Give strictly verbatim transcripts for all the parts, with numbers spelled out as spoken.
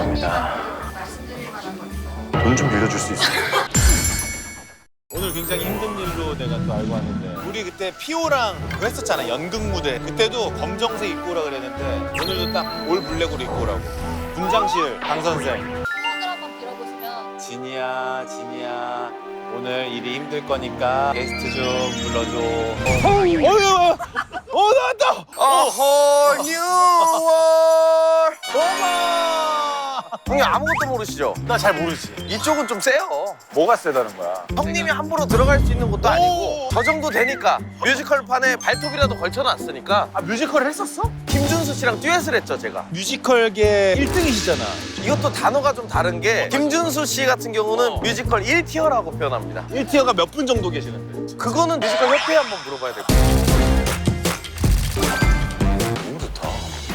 감사합니다. 말씀드릴 만한 거 있어요? 돈 좀 빌려줄 수 있어요? 오늘 굉장히 힘든 일로 내가 또 알고 왔는데 우리 그때 피오랑 그거 했었잖아, 연극 무대. 그때도 검정색 입고 오라 그랬는데 오늘도 딱 올 블랙으로 입고 오라고. 분장실 강 선생. 소원을 한번 빌어보시면 진이야, 진이야. 오늘 일이 힘들 거니까 게스트 좀 불러줘. 어, 어휴, 어 나왔다. 어허 뉴월. 어마. 형님 아무것도 모르시죠? 나 잘 모르지. 이쪽은 좀 세요. 뭐가 세다는 거야? 형님이 함부로 들어갈 수 있는 것도 오. 아니고 저 정도 되니까 뮤지컬판에 발톱이라도 걸쳐놨으니까. 아, 뮤지컬을 했었어? 김준수 씨랑 듀엣을 했죠 제가. 뮤지컬계 일 등이시잖아. 이것도 단어가 좀 다른 게 김준수 씨 같은 경우는 어. 뮤지컬 일 티어라고 표현합니다. 일 티어가 몇 분 정도 계시는데? 그거는 뮤지컬 협회에 한번 물어봐야 될 것 같아요. 너무 좋다.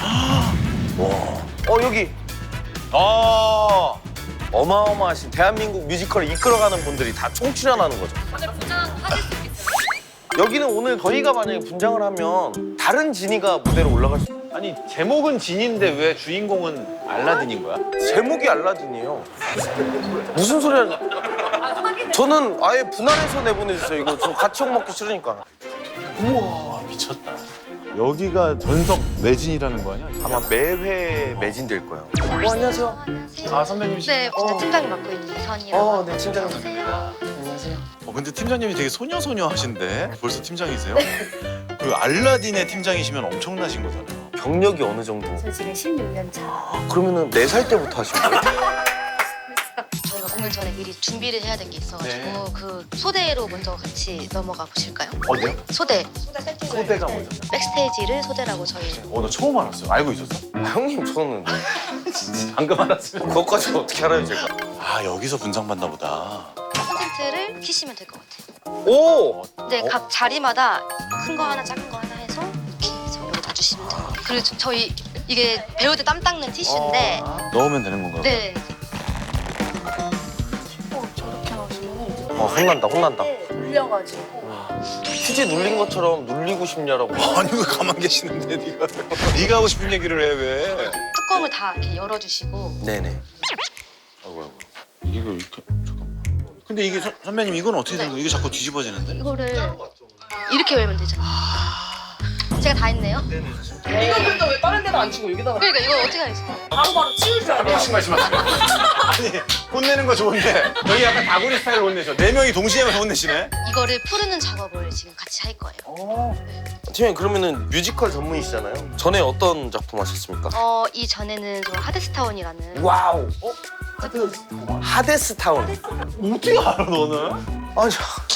어 여기 아, 어마어마하신 대한민국 뮤지컬을 이끌어가는 분들이 다 총출연하는 거죠. 오늘 분장하실 수 있겠어요? 여기는 오늘 저희가 만약에 분장을 하면 다른 지니가 무대로 올라갈 수. 아니 제목은 진인데 왜 주인공은 알라딘인 거야? 제목이 알라딘이에요. 무슨 소리 하냐? 저는 아예 분할해서 내보내주세요. 이거 저 같이 욕 먹기 싫으니까. 우와, 미쳤다. 여기가 전석 매진이라는 거 아니야? 아마 매회 매진될 거예요. 어, 안녕하세요. 안녕하세요. 아, 선배님. 네, 어. 진짜 팀장이 맡고 있는 이선이라고. 어, 네, 팀장님. 안녕하세요. 안녕하세요. 어, 근데 팀장님이 되게 소녀소녀 하신데 벌써 팀장이세요? 그 알라딘의 팀장이시면 엄청나신 거잖아요. 경력이 어느 정도? 저 지금 십육 년 차. 그러면은 네 살 때부터 하신 거예요? 저희가 공연 전에 미리 준비를 해야 될 게 있어가지고 네. 그 소대로 먼저 같이 넘어가 보실까요? 어디요? 소대. 소대 세팅. 소대가 뭐죠? 백스테이지를 소대라고 저희. 어, 너 처음 알았어. 알고 있었어? 아, 형님 저는 방금 알았어요. 그것까지 어떻게 알아요 제가? 아, 여기서 분장 받나 보다. 콘센트를 키시면 될 것 같아요. 오! 네, 각 자리마다 큰 거 하나, 작은 거 하나 해서 이렇게 해서 여기 놔주시면 돼요. 그리고 저- 저희 이게 배우들 땀 닦는 티슈인데 넣으면 되는 건가요? 네. 어 혼난다 혼난다. 눌려가지고. 휴지 눌린 것처럼 눌리고 싶냐라고. 아니 왜 가만 계시는데 네가 네가 하고 싶은 얘기를 해 왜? 뚜껑을 다 이렇게 열어주시고. 네네. 아이고 아이고 이거 이렇게 잠깐만. 근데 이게 선, 선배님 이건 어떻게 되는 거예요? 이게 자꾸 뒤집어지는데? 이거를 이렇게 열면 되잖아요. 제가 다 했네요. 이거 근데 왜 다른 데다 안 치고 여기다가 그러니까 이거 어떻게 하겠어요? 바로바로 치울 줄 알아. 무슨 말씀하세요? 아니 혼내는 거 좋은데 여기 약간 다구리 스타일로 혼내셔. 네 명이 동시에 혼내시네. 이거를 푸르는 작업을 지금 같이 할 거예요. 팀장님 그러면은 뮤지컬 전문이시잖아요. 전에 어떤 작품 하셨습니까? 어, 이 전에는 저 하데스타운이라는 와우. 어? 하데스타운. 어떻게 알아 너는? 아니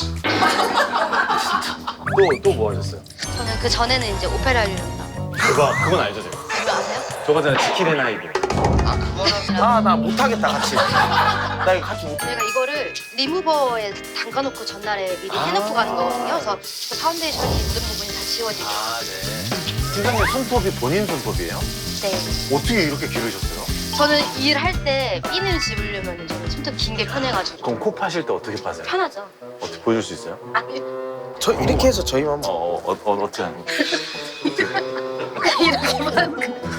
또또 뭐 하셨어요? 저는 그 전에는 이제 오페라리라고. 그거 그건 알죠 제가. 그거 아세요? 저거 전에 지킬의 나이브. 아 나 못하겠다 같이. 나 이거 같이 못. 저희가 이거를 리무버에 담가놓고 전날에 미리 해놓고 가는 거거든요. 그래서 그 파운데이션이 묻은 부분이 다 지워지고. 아 네. 팀장님 손톱이 본인 손톱이에요? 네. 어떻게 이렇게 기르셨어요? 저는 일할 때 핀을 집으려면 저는 손톱 긴 게 편해가지고. 그럼 코 파실 때 어떻게 파세요? 편하죠. 어떻게 보여줄 수 있어요? 저 이렇게 해서 저희만 한번. 어, 어, 어 어떻게 하는 거? 이렇게만.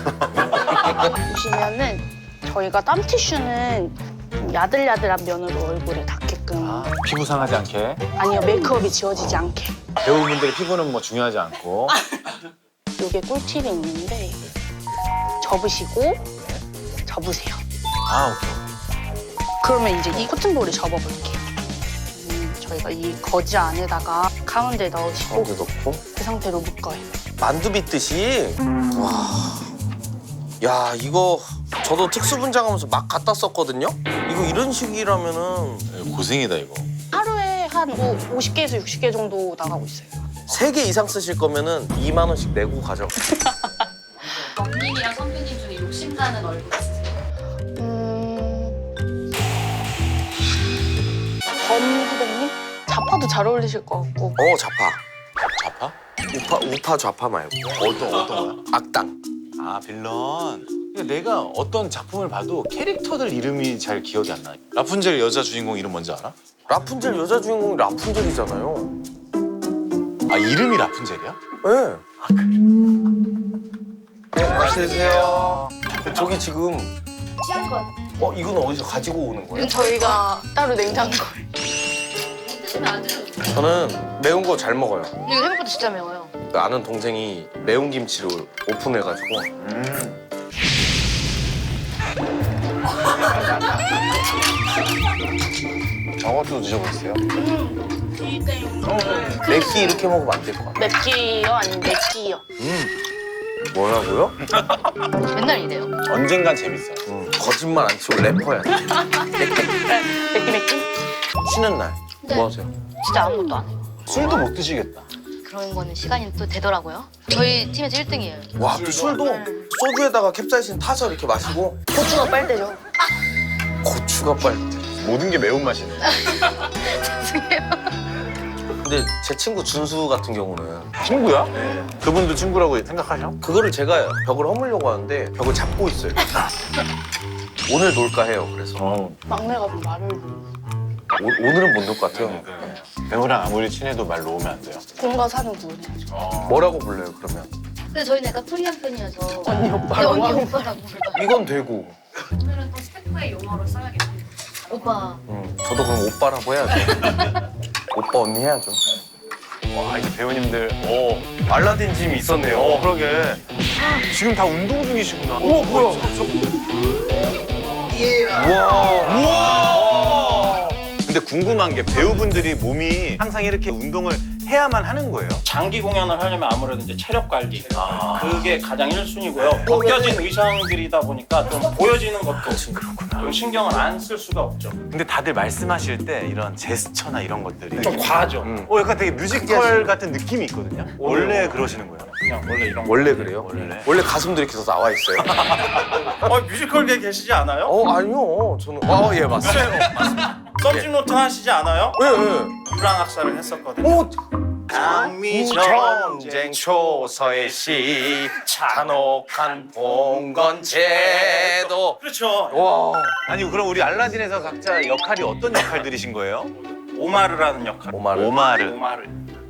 보시면은 저희가 땀 티슈는 좀 야들야들한 면으로 얼굴에 닿게끔 아, 피부 상하지 않게. 아니요 메이크업이 지워지지 않게 배우분들의 피부는 뭐 중요하지 않고. 이게 꿀팁이 있는데 접으시고 접으세요. 아 오케이. 그러면 이제 이 코튼볼을 접어볼게요. 음, 저희가 이 거즈 안에다가 가운데 넣으시고 가운데 넣고. 그 상태로 묶어요. 만두 빚듯이. 와. 야 이거 저도 특수 분장하면서 막 갖다 썼거든요. 이거 이런 식이라면은 고생이다 이거. 하루에 한 뭐 오십 개에서 육십 개 정도 나가고 있어요. 세 개 이상 쓰실 거면은 이만 원씩 내고 가죠. 언님이랑 선배님 중에 욕심나는 얼굴 있으세요? 음... 범 후배님? 자파도 잘 어울리실 것 같고 어 좌파. 좌파? 우파 우파 좌파 말고. 어떤 어떤 거야? 악당. 아 빌런. 근데 내가 어떤 작품을 봐도 캐릭터들 이름이 잘 기억이 안 나. 라푼젤 여자 주인공 이름 뭔지 알아? 라푼젤 여자 주인공이 라푼젤이잖아요. 아 이름이 라푼젤이야? 네. 네, 맛있게 드세요. 저기 지금 취한 것 같아요. 어 이건 어디서 가지고 오는 거예요? 이건 저희가 따로 냉장고에. 드시면 안 돼요. 저는 매운 거 잘 먹어요. 이거 생각보다 진짜 매워요. 그 아는 동생이 매운 김치를 오픈해가지고 음. 저것도 드셔보세요. 맵기 이렇게 먹으면 안 될 것 같아. 맵기요? 아니면 맵기요? 뭐라고요? 맨날 이래요. 언젠간 재밌어요. 음, 거짓말 안 치고 래퍼야 돼. 맵기 맵기? 쉬는 날 네. 뭐 하세요? 진짜 아무것도 안 해요. 술도 못 드시겠다. 그런 거는 시간이 또 되더라고요. 저희 팀에서 일 등이에요. 와, 또 술도 소주에다가 캡사이신 타서 이렇게 마시고 고추가 빨대죠. 고추가 빨대. 모든 게 매운맛이네. 죄송해요. 근데 제 친구 준수 같은 경우는 친구야? 그분도 친구라고 생각하셔? 그거를 제가 벽을 허물려고 하는데 벽을 잡고 있어요. 오늘 놀까 해요. 그래서 어. 막내가 좀 말을 오, 오늘은 못 놀 것 같아요. 배우랑 아무리 친해도 말 놓으면 안 돼요. 공과 사는 구분해야죠. 뭐라고 불러요 그러면? 근데 저희는 약간 프리한 편이어서 언니 네, 오빠라고 언니 하는 오빠라고 불러요. 이건 되고. 오늘은 또 스태프의 용어로 써야겠네요. 오빠. 음, 저도 그럼 오빠라고 해야죠. 오빠 언니 해야죠. 와, 이제 배우님들. 오, 알라딘 짐이 있었네요. 어, 그러게. 지금 다 운동 중이시구나. 오, 뭐야? 우와. 우와! 근데 궁금한 게 배우분들이 몸이 항상 이렇게 운동을 해야만 하는 거예요? 장기 공연을 하려면 아무래도 이제 체력 관리 그게 가장 일 순위고요. 벗겨진 의상들이다 보니까 좀 보여지는 것도 좀 신경을 안 쓸 수가 없죠. 근데 다들 말씀하실 때 이런 제스처나 이런 것들이 좀 과하죠. 음. 어, 약간 되게 뮤지컬 같은 느낌이 있거든요. 원래 그러시는 거예요? 그냥 원래 이런 거. 원래 그래요? 원래. 원래 가슴도 이렇게 더 나와 있어요. 어, 뮤지컬계 계시지 않아요? 어 아니요. 저는 어 예 맞습니다. 썸띵노트 하시지 않아요? 예 예. 불황학사를 했었거든요. 오 장미 전쟁 초서의 시 잔혹한 봉건제도. 그렇죠. 와 아니, 그럼 우리 알라딘에서 각자 역할이 어떤 역할들이신 거예요? 오마르라는 역할. 오마르. 오마르. 오마르.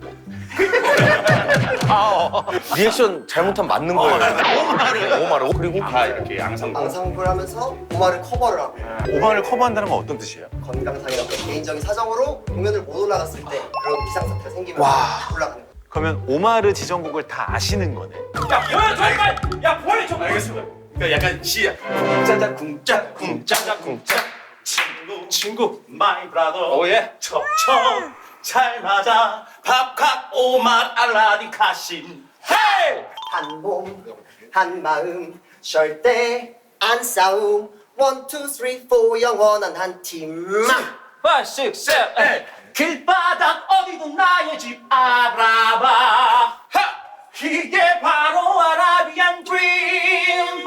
리액션 잘못하면 맞는 거예요. 오마르. 오마르. 그리고 다 이렇게 양상. 방상구를 하면서 오마를 커버를 하고 오마를 커버한다는 건 어떤 뜻이에요? 건강상이나 어떤 개인적인 사정으로 공연을 못 올라갔을 때 그런 비상사태가 생기면 와. 올라가는 거예요. 그러면 오마르 지정곡을 다 아시는 거네. 야, 보여 저기가. 야, 보여 저. 알겠습니다. 그러니까 약간 시. 쿵짜자 쿵짜 쿵짜자 쿵짜. 친구 친구 마이 브라더. 오예. 척척 잘 맞아. 밥값 오만 알라딘 카신. 헤이. 한 몸, 한 마음, 절대 안 싸움. 원, 투, 쓰리, 포 영원한 한 팀만. 파이브, 식스, 세븐, 에잇. 길바닥 어디도 나의 집 알아봐. 하! 이게 바로 아라비안 드림.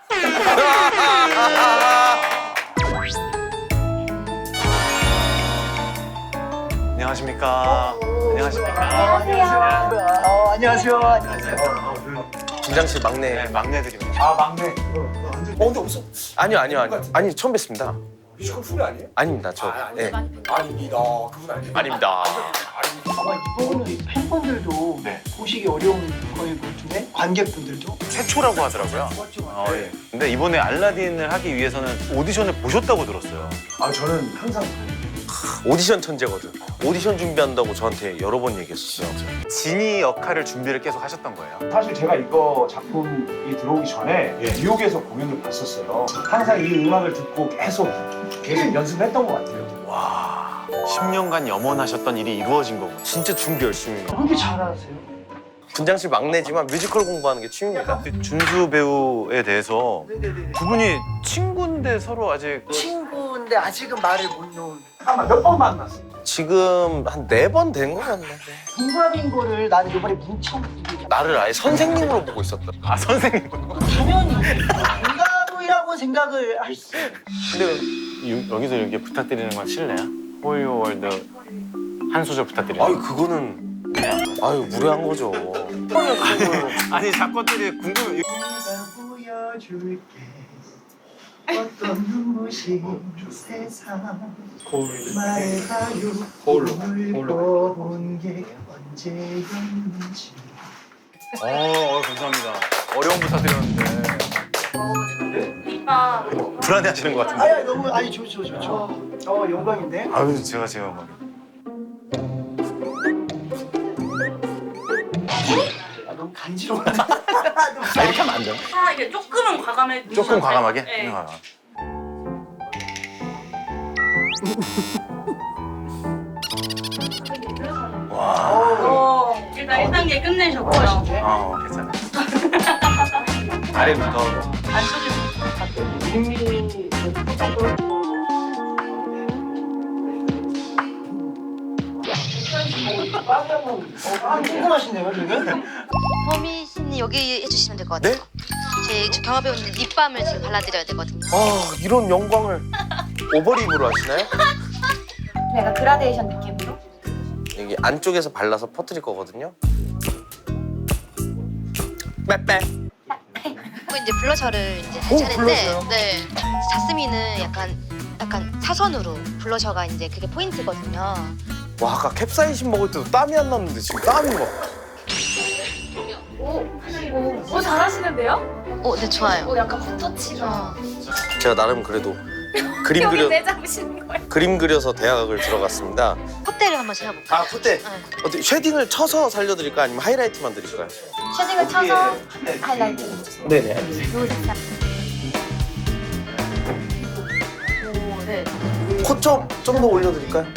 안녕하십니까. 안녕하십니까. 안녕하세요. 안녕하세요. 김장실 막내. 네, 막내들입니다. 아 막내. 어 근데 무슨 아니요 아니요 아니요. 아니 처음 뵙습니다. 뮤지컬 풀이 아니에요? 아닙니다 저. 예. 아닙니다. 그분 아니에요. 아닙니다. 아마 이거는 팬분들도 네. 보시기 어려운 거일 것 같은데 관객분들도 최초라고 하더라고요. 어, 예. 근데 이번에 알라딘을 하기 위해서는 오디션을 보셨다고 들었어요. 아 저는 항상 오디션 천재거든. 오디션 준비한다고 저한테 여러 번 얘기했었어요. 지니 역할을 준비를 계속 하셨던 거예요. 사실 제가 이거 작품이 들어오기 전에 뉴욕에서 공연을 봤었어요. 항상 이 음악을 듣고 계속 계속 연습했던 것 같아요. 와, 십 년간 염원하셨던 일이 이루어진 거군요. 진짜 준비 열심히 해요. 그렇게 잘하세요? 분장실 막내지만 뮤지컬 공부하는 게 취미입니다. 준수 배우에 대해서 네네네. 두 분이 친구인데 서로 아직 친구인데 아직은 말을 못 놓은 아마 몇 번 만났어요. 지금 한 네 번 된 것 같네. 동갑인 거를 난 이번에 문청 나를 아예 선생님으로 보고 있었다. 아 선생님. 당연히 동갑이라고 생각을 할 수. 근데 유- 여기서 이렇게 부탁드리는 건 실례야? 호요 월드 한 소절 부탁드려요. 아유 그거는 그냥. 아유 무례한 거죠. 아니 작곡들이 궁금해. 내가 보여줄게 어떤 눈부신 세상 말해봐요 오늘 보는 게 언제였는지 어, 어 감사합니다. 어려운 부탁드렸는데. 하니까 불안해하시는 것 같은데. 아야 너무 아니 좋죠 좋죠. 어 영광인데. 아유 제가 제가 막. 아, 너무 간지러워. 아, 이렇게 하면 안 돼요? 아 이게 조금은 과감해. 조금 과감하게? 네. 아. 와. 어, 일단 일 단계 끝내셨고요. 어 괜찮아. 아래부터. 아 궁금하신데요 지금? 허미 씨는 여기 해주시면 될 것 같아요. 네? 제 저 경화 배우님 립밤을 지금 발라드려야 되거든요. 아 이런 영광을 오버립으로 하시나요? 약간 그라데이션 느낌으로? 여기 안쪽에서 발라서 퍼뜨릴 거거든요. 빼빼. 그리고 이제 블러셔를 이제 오, 할 차례인데, 블러셔요? 네, 자스민은 약간 약간 사선으로 블러셔가 이제 그게 포인트거든요. 와 아까 캡사이신 먹을 때도 땀이 안 났는데 지금 땀이 막. 오 잘하시는데요? 어, 네 좋아요. 오 약간 붓터치가. 어. 제가 나름 그래도 그림 여기 그려 내잡으시는 거예요? 그림 그려서 대학을 들어갔습니다. 콧대를 한번 세워볼까요? 아 콧대 네. 어떻게 쉐딩을 쳐서 살려드릴까 아니면 하이라이트만 드릴까요? 쉐딩을 쳐서 하이라이트. 네네. 오 네. 코 좀 좀 더 올려드릴까요?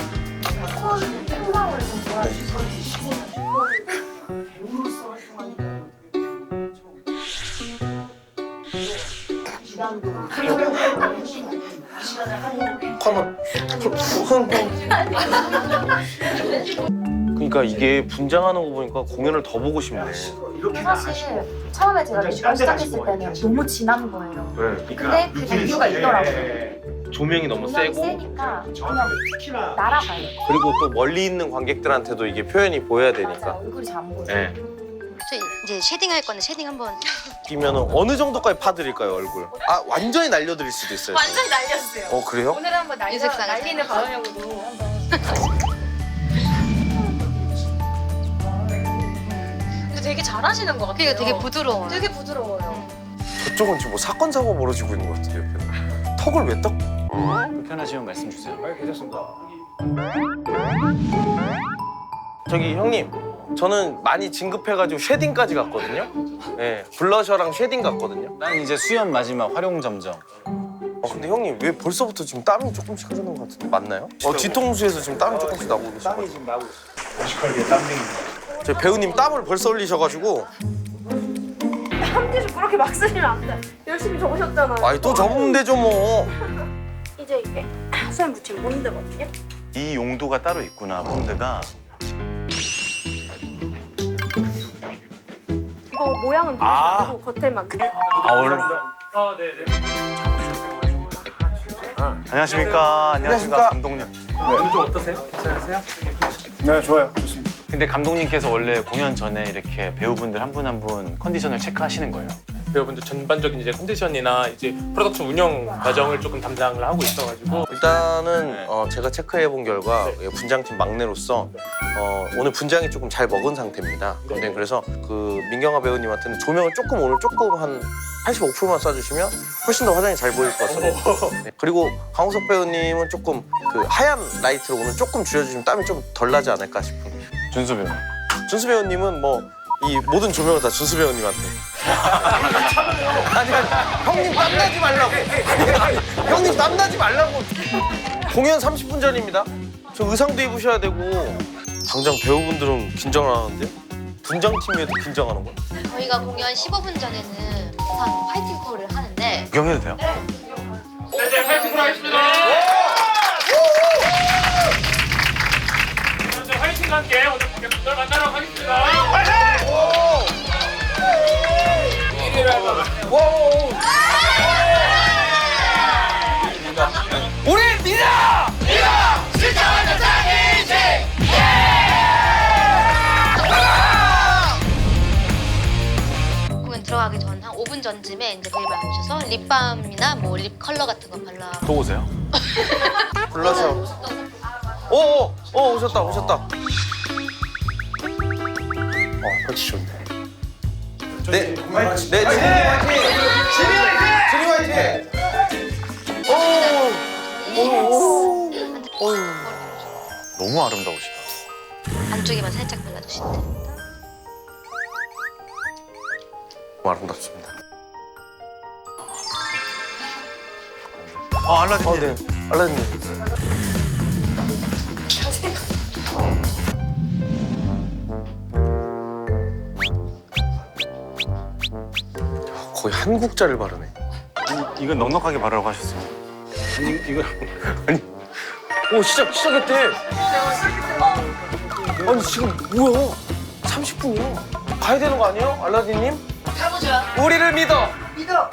한번 그러니까 이게 분장하는 거 보니까 공연을 더 보고 싶네. 사실 처음에 제가 뮤지컬 시작했을 때는 너무 진한 거예요. 근데 그 이유가 있더라고요. 조명이 너무 분명히 세고 세니까 그냥 날아가요. 그리고 또 멀리 있는 관객들한테도 이게 표현이 보여야 되니까. 맞아요. 얼굴이 잘 안 보여요. 네. 저 이제 쉐딩 할 건데 쉐딩 한번. 끼면은 어느 정도까지 파드릴까요 얼굴? 아 완전히 날려드릴 수도 있어요. 완전히 날렸어요. 어 그래요? 오늘 한번 날려, 유색상을 날리는 사용해서. 방향으로 한번. 근데 되게 잘하시는 것 같아요. 그게 되게 부드러워요. 되게 부드러워요. 저쪽은 지금 뭐 사건 사고 벌어지고 있는 것 같은데 옆에. 턱을 왜 떡? 불편하시면 말씀 주세요. 아, 괜찮습니다. 저기 형님, 저는 많이 진급해가지고 쉐딩까지 갔거든요. 네, 블러셔랑 쉐딩 갔거든요. 난 이제 수연 마지막 활용 점정. 어 근데 형님 왜 벌써부터 지금 땀이 조금씩 흐르는 것 같은데 맞나요? 어 뒤통수에서 지금 땀이 조금씩 나고 계시고. 땀이 지금 나고 있어. 뮤지컬계 땀쟁이. 저희 배우님 땀을 벌써 흘리셔가지고. 함티즈 그렇게 막 쓰시면 안 돼. 열심히 적으셨잖아요. 아니 또 접으면 되죠 뭐. 이제 이게 수염 붙이면 본드거든요. 이 용도가 따로 있구나 본드가. 이거 모양은 아. 누르시고 겉에만. 아 원래. 아, 네, 네. 안녕하십니까. 안녕하십니까 감독님. 오늘 좀 어떠세요? 괜찮으세요? 네, 좋아요. 좋습니다. 근데 감독님께서 원래 공연 전에 이렇게 배우분들 한 분 한 분 컨디션을 체크하시는 거예요. 배우분들 전반적인 이제 컨디션이나 이제 프로덕션 운영 과정을 조금 담당을 하고 있어가지고 일단은 네. 어, 제가 체크해 본 결과 분장팀 막내로서 어, 오늘 분장이 조금 잘 먹은 상태입니다. 근데 그래서 그 민경아 배우님한테는 조명을 조금 오늘 조금 한 팔십오 퍼센트만 쏴주시면 훨씬 더 화장이 잘 보일 것 같습니다. 네. 그리고 강우석 배우님은 조금 그 하얀 라이트로 오늘 조금 줄여주시면 땀이 좀 덜 나지 않을까 싶은. 준수 배우. 준수 배우님은 뭐 이 모든 조명을 다 준수 배우님한테. 아니 아니 형님 땀나지 말라고. 아니, 형님 땀나지 말라고. 공연 삼십 분 전입니다. 저 의상도 입으셔야 되고. 당장 배우분들은 긴장을 하는데요? 분장팀에도 긴장하는 거야? 저희가 공연 십오 분 전에는 항상 파이팅 콜을 하는데 구경해도 돼요? 네, 이제 파이팅 하겠습니다. 자, 화이팅과 함께 오늘 관객분들 만나러 가겠습니다. 우리 믿어! 공연 들어가기 전 한 오 분 전쯤에 이제 저희 방 오셔서 립밤이나 뭐 립 컬러 같은 거 발라. 또 오세요? 불러서. 오오 오, 오셨다 오셨다. 어 펄치 좋네. 네, 네, 지리 화이팅! 지리 화이팅! 지리 화이팅! 너무 아름다우시다. 안쪽에만 살짝 발라주시면 됩니다. 너무 아름답습니다. 아, 알라딘. 어, 네. 알라딘. 거의 한국자를 바르네. 아니, 이건 넉넉하게 바르라고 하셨어요. 아니, 이거. 아니. 오, 시작, 시작했대. 아니, 지금 뭐야? 삼십 분이야. 가야 되는 거 아니에요? 알라딘님? 가보자. 우리를 믿어! 믿어.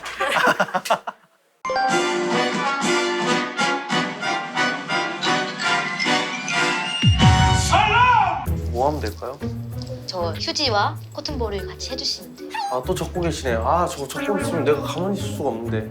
뭐 하면 될까요? 저 휴지와 코튼볼을 같이 해주시면 돼요. 아, 또 적고 계시네요. 아, 저거 적고 있으면 내가 가만히 있을 수가 없는데.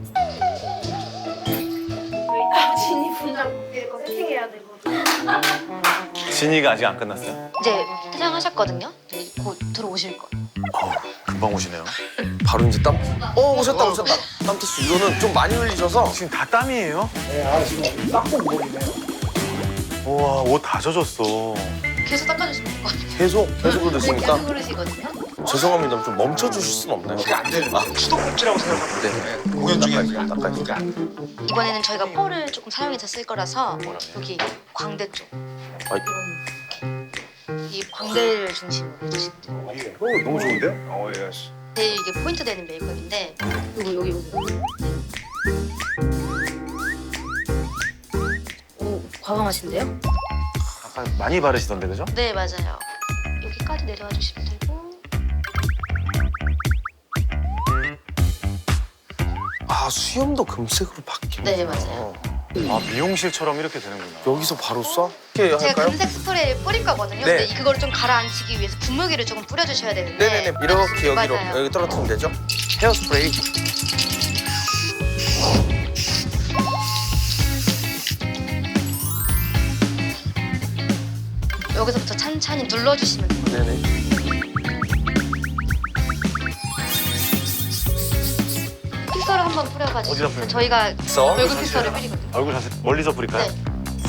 진이 분장 이거 세팅해야 되거든. 진이가 아직 안 끝났어요? 이제 퇴장하셨거든요. 이제 곧 들어오실 거예요. 어우, 금방 오시네요. 바로 이제 땀. 어, 오셨다, 오셨다. 땀 테스트. 이거는 좀 많이 흘리셔서. 지금 다 땀이에요? 네, 아 지금 닦고 모이네요. 우와, 옷 다 젖었어. 계속 닦아주시면 될 것 같아요. 계속, 계속 그러시니까. 계속 그러시거든요. 죄송합니다. 좀 멈춰주실 수는 없나요? 그게 안 되는 거. 수도꼭지라고 생각하면 돼. 네. 공연 중에 닦아니까. 이번에는 저희가 펄을 조금 사용해서 쓸 거라서 여기 광대 쪽 아이. 이런 이 광대를 중심으로 해주시면 돼요. 어, 너무 좋은데요? 어, 예. 제일 이게 포인트 되는 메이크업인데 요거 여기 요거 오 과감하신데요? 아까 많이 바르시던데, 그죠? 네 맞아요. 여기까지 내려와 주시면 되고 아, 수염도 금색으로 바뀌네. 네 맞아요. 아, 미용실처럼 이렇게 되는구나. 여기서 바로 쏴? 이렇게 제가 할까요? 금색 스프레이를 뿌릴 거거든요. 네. 근데 그거를 좀 가라앉히기 위해서 분무기를 조금 뿌려주셔야 되는데 네네네. 이렇게 여기로 맞아요. 여기 떨어뜨리면 되죠? 헤어스프레이. 여기서부터 찬찬히 눌러주시면 돼요. 네네. 픽서를 한번 뿌려가지고 어디다 뿌려요? 저희가 써? 얼굴 픽서를 뿌리거든요. 얼굴 자세 멀리서 뿌릴까요? 네.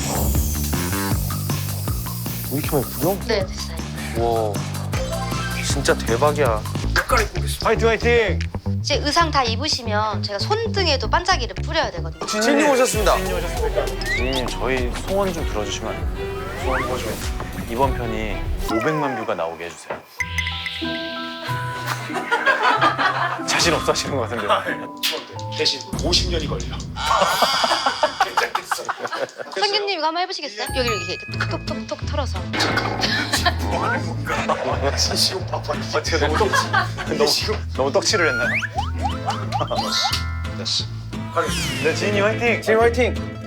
왜 이렇게 많이 뿌려? 네 됐어요. 와, 진짜 대박이야. 화이팅, 화이팅! 이제 의상 다 입으시면 제가 손등에도 반짝이를 뿌려야 되거든요. 진님 오셨습니다. 진님 오셨습니까? 진님, 저희 소원 좀 들어주시면 안 돼요? 소원 뭐죠? 이번 편이 오백만 뷰가 나오게 해주세요. 자신 없어 하시는 것 같은데. 대신 오십 년이 걸려. 괜찮겠어. 성규님 이거 한번 해보시겠어요? 여기를 이렇게 톡톡톡톡 털어서. 뭐 하는 건가? 진심 바빠. 아, 제가 너무 떡, 너무, 너무 떡칠을 했나요? 됐어. 네, 진이 화이팅! 진님 화이팅!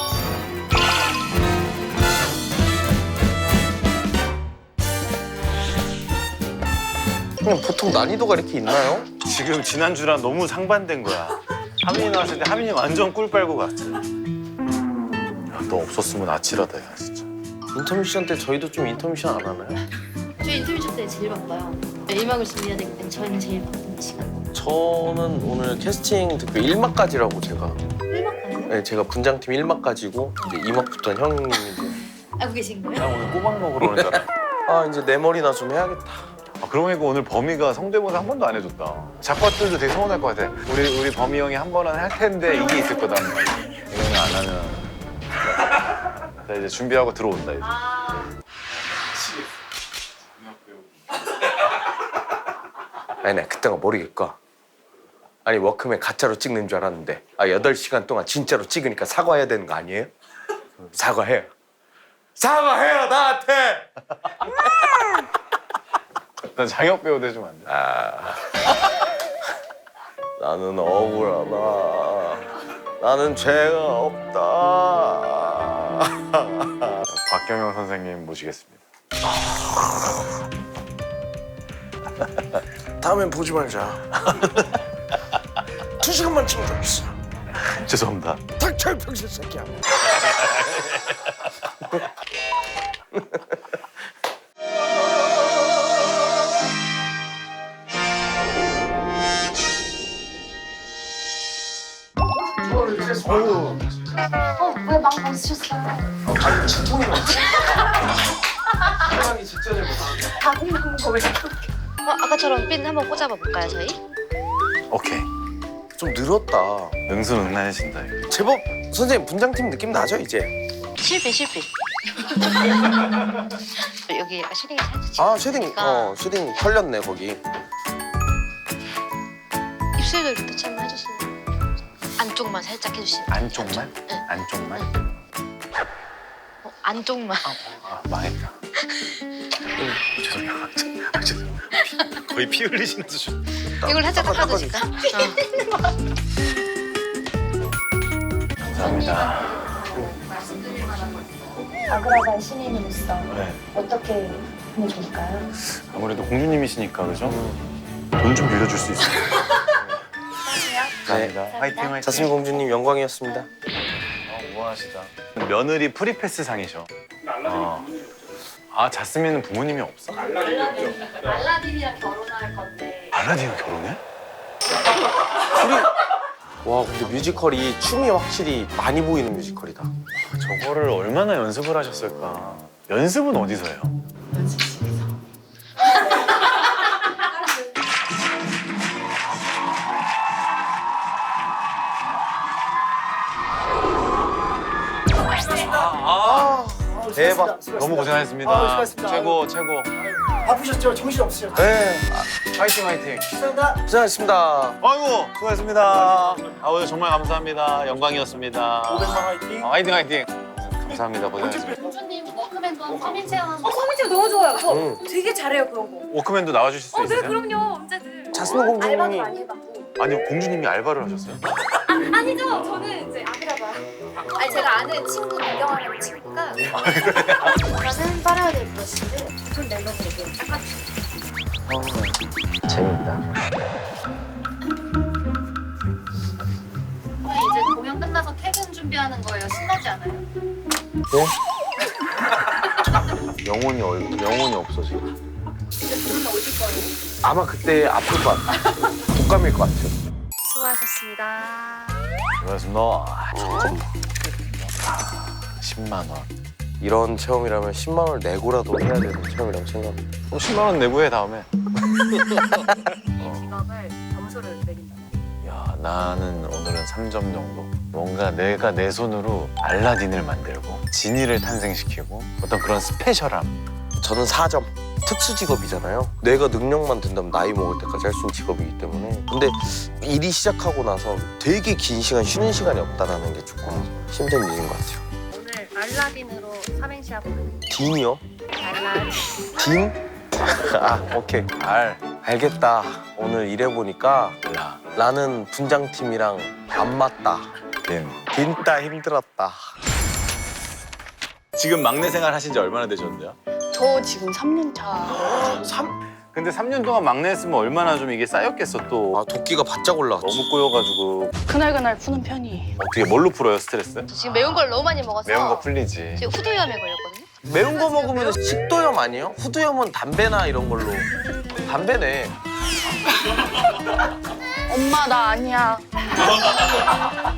그냥 보통 난이도가 이렇게 있나요? 지금 지난주랑 너무 상반된 거야. 하민이 나왔을 때 하민이 완전 꿀 빨고 갔어. 야, 너 없었으면 아찔하다, 야, 진짜. 인터미션 때 저희도 좀 인터미션 안 하나요? 저희 인터뷰 때 제일 바빠요. 일막을 준비해야 되기 때문에 저희는 제일 바쁜 시간. 저는 오늘 캐스팅 듣고 일 막까지라고 제가. 일막까지요? 네, 제가 분장팀 일 막까지고 이제 이 막부터는 형님이 알고 계신 거예요? 나 오늘 꼬막 먹으러 오는 줄 알았어. 아, 이제 내 머리나 좀 해야겠다. 아, 그러고 보니까 오늘 범이가 성대모사 한 번도 안 해줬다. 작가들도 되게 서운할 것 같아. 우리 우리 범이 형이 한 번은 할 텐데 이게 있을 거다. 이거는 안 하면. 자, 이제 준비하고 들어온다 이제. 아니, 나 그때가 모르겠고. 아니, 워크맨 가짜로 찍는 줄 알았는데 아, 여덟 시간 동안 진짜로 찍으니까 사과해야 되는 거 아니에요? 사과해요. 사과해요, 나한테! 난 장혁 배우 돼주면 안 돼? 아, 나는 억울하다. 나는 죄가 없다. 박경영 선생님 모시겠습니다. 다음엔 보지 말자. 두 시간만 찍은 적 있어. 죄송합니다. 닥쳐, 병신 새끼야. 어, 왜 많이 벗으셨어요. 아니 진통이 났어. 사랑이 진짜 잘 먹어. 다른 방법 왜 이렇게. 어, 아까처럼 핀 한번 꽂아봐 볼까요, 저희? 오케이. 좀 늘었다. 능수능란해진다 이거. 제법 선생님 분장팀 느낌 나죠 이제? 실핀, 실핀. 여기 약간 쉐딩이 살짝 아 쉐딩 찍으니까 어 쉐딩 털렸네 거기. 입술도 이렇게 터치 한번 해주시면 안쪽만 살짝 해주시면 안쪽만? 네. 안쪽만? 어, 안쪽만. 아 망했다. 어, 죄송해요. 아, 죄송해요. 거의 피 흘리시는 수준. 이걸 살짝 닦아주실까? 감사합니다. 말씀드릴 만한 거 있어요. 아그라바의 신인으로서 네. 어떻게 하면 좋을까요? 아무래도 공주님이시니까 그죠? 돈 좀 빌려줄 수 있어요. 감사합니다. 화이팅 화이팅. 자스민 공주님 영광이었습니다. 아, 우아하시다. 며느리 프리패스 상이셔. 어. 아 자스민은 부모님이 없어? 알라딘이랑 결혼할 건데. 알라딘과 결혼해? 와 근데 뮤지컬이 춤이 확실히 많이 보이는 뮤지컬이다. 저거를 얼마나 연습을 하셨을까? 연습은 어디서 해요? 연습실에서. 아, 대박. 너무 고생하셨습니다. 아, 수고하셨습니다. 최고 최고. 바쁘셨죠? 정신 없으셨죠? 네. 화이팅 화이팅. 감사합니다. 고생하셨습니다. 아이고 수고하셨습니다. 아 오늘 정말 감사합니다. 영광이었습니다. 오백만 화이팅. 아, 화이팅 화이팅. 감사합니다. 고생하셨습니다. 공주님 워크맨도 서민 체험. 어 서민 체험 너무 좋아요. 저 응. 되게 잘해요 그런 거. 워크맨도 나와주실 수 어, 네 있으세요? 그럼요 언제든. 자스민 알바도 공주님이 많이 해봤고. 아니 공주님이 알바를 하셨어요? 아, 아니죠 저는 이제 아그라바. 아니 제가 아는 친구 민경아라는 친구가. 저는 파라오데 브러쉬를 돈 내놓고 되게 닦아주세요. 재밌다. 이제 공연 끝나서 퇴근 준비하는 거예요. 신나지 않아요? 영혼이 얼 영혼이 없어 지금. 근데 부르면 오실 거예요. 아마 그때 아플 것 같아. 독감일 것 같아요. 수고하셨습니다. 수고하셨습니다. 아, 잠깐만. 십만 원. 이런 체험이라면 십만 원을 내고라도 해야 되는 체험이라고 생각합니다. 어, 십만 원 내고 해 다음에. 직업을 점수를 매긴다. 야 나는 오늘은 삼 점 정도. 뭔가 내가 내 손으로 알라딘을 만들고 지니를 탄생시키고 어떤 그런 스페셜함. 저는 사 점. 특수 직업이잖아요. 내가 능력만 된다면 나이 먹을 때까지 할 수 있는 직업이기 때문에. 근데 일이 시작하고 나서 되게 긴 시간 쉬는 시간이 없다는 게 조금 힘든 일인 것 같아요. 오늘 알라딘으로 삼행시 하거든요. 딘이요? 알라딘. 딘? 아 오케이. 알. 알겠다. 오늘 일해보니까 라. 나는 분장팀이랑 안 맞다. 딘. 딘따 힘들었다. 지금 막내 생활 하신 지 얼마나 되셨는데요? 저 지금 삼 년 차. 근데 삼 년 동안 막내 했으면 얼마나 좀 이게 쌓였겠어 또. 아 도끼가 바짝 올라갔지. 너무 꼬여가지고. 그날그날 푸는 편이. 어떻게 뭘로 풀어요 스트레스? 저 지금 매운 걸 너무 많이 먹어서 매운 거 풀리지. 지금 후두염에 걸렸거든요. 매운 거 먹으면 식도염 아니에요? 후두염은 담배나 이런 걸로. 담배네. 엄마 나 아니야.